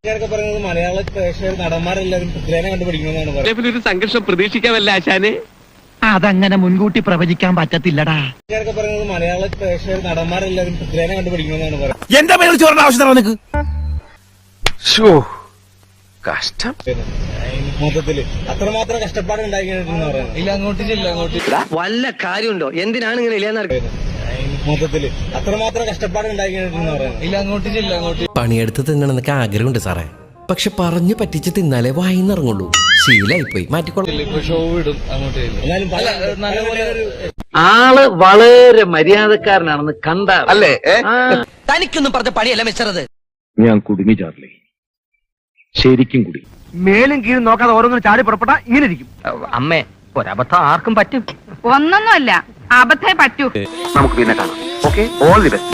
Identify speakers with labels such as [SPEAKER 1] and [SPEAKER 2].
[SPEAKER 1] പറയുന്നത് മലയാള പ്രേക്ഷകർ നടന്മാരെല്ലാവരും പൃഥ്വിരാജിനെ കണ്ടുപിടിക്കണമെന്നാണ് പറയുന്നത്.
[SPEAKER 2] ഒരു സംഘർഷം പ്രതീക്ഷിക്കാമല്ല ആശാനെ.
[SPEAKER 3] അതങ്ങനെ മുൻകൂട്ടി പ്രവചിക്കാൻ പറ്റത്തില്ലടാ.
[SPEAKER 1] പറയുന്നത് മലയാള പ്രേക്ഷകർ നടന്മാരെല്ലാവരും പൃഥ്വിരാജിനെ കണ്ടുപിടിക്കണമെന്നാണ് പറയുന്നത്.
[SPEAKER 4] എന്താ പേര് ചോറിന്റെ ആവശ്യം നിനക്ക്? കഷ്ടം.
[SPEAKER 1] മൊത്തത്തില് അത്രമാത്രം കഷ്ടപ്പാട് ഉണ്ടാക്കിയിട്ടെന്ന് പറയുന്നത്. ഇല്ല അങ്ങോട്ട് ചെല്ല അങ്ങോട്ട്
[SPEAKER 2] വല്ല കാര്യമുണ്ടോ? എന്തിനാണ് ഇങ്ങനെ ഇല്ലാന്ന്
[SPEAKER 1] മൊത്തത്തില് അത്രമാത്രം കഷ്ടപ്പാട് ഉണ്ടാക്കിയിട്ടെന്ന് പറയുന്നത്. ഇല്ല അങ്ങോട്ട് ചെല്ല അങ്ങോട്ട്
[SPEAKER 5] പണിയെടുത്ത് തിന്നണമെന്നൊക്കെ ആഗ്രഹമുണ്ട് സാറേ. പക്ഷെ പറഞ്ഞു പറ്റിച്ച് തിന്നാലേ വായിന്നിറങ്ങുള്ളൂ. ശീലായിപ്പോയി, മാറ്റിക്കൊള്ളു.
[SPEAKER 1] ഷോ ഇടും അങ്ങോട്ട്. എന്നാലും നല്ലപോലെ
[SPEAKER 6] ആള് വളരെ മര്യാദക്കാരനാണെന്ന് കണ്ട
[SPEAKER 4] അല്ലേ?
[SPEAKER 2] തനിക്കൊന്നും പറഞ്ഞ പണിയല്ല മിസ്റ്ററത്.
[SPEAKER 7] ഞാൻ കുടുങ്ങി ചാർലി, ശരിക്കും കുടുങ്ങി.
[SPEAKER 3] മേലും കീഴും നോക്കാതെ ഓരോന്നും ചാടി പുറപ്പെട്ടാ ഇങ്ങനെ ഇരിക്കും.
[SPEAKER 6] അമ്മേ, ഒരബദ്ധം ആർക്കും പറ്റും.
[SPEAKER 8] ഒന്നൊന്നുമല്ല, അബദ്ധേ പറ്റൂ.
[SPEAKER 7] നമുക്ക് പിന്നെ കാണാം. Okay, all the best.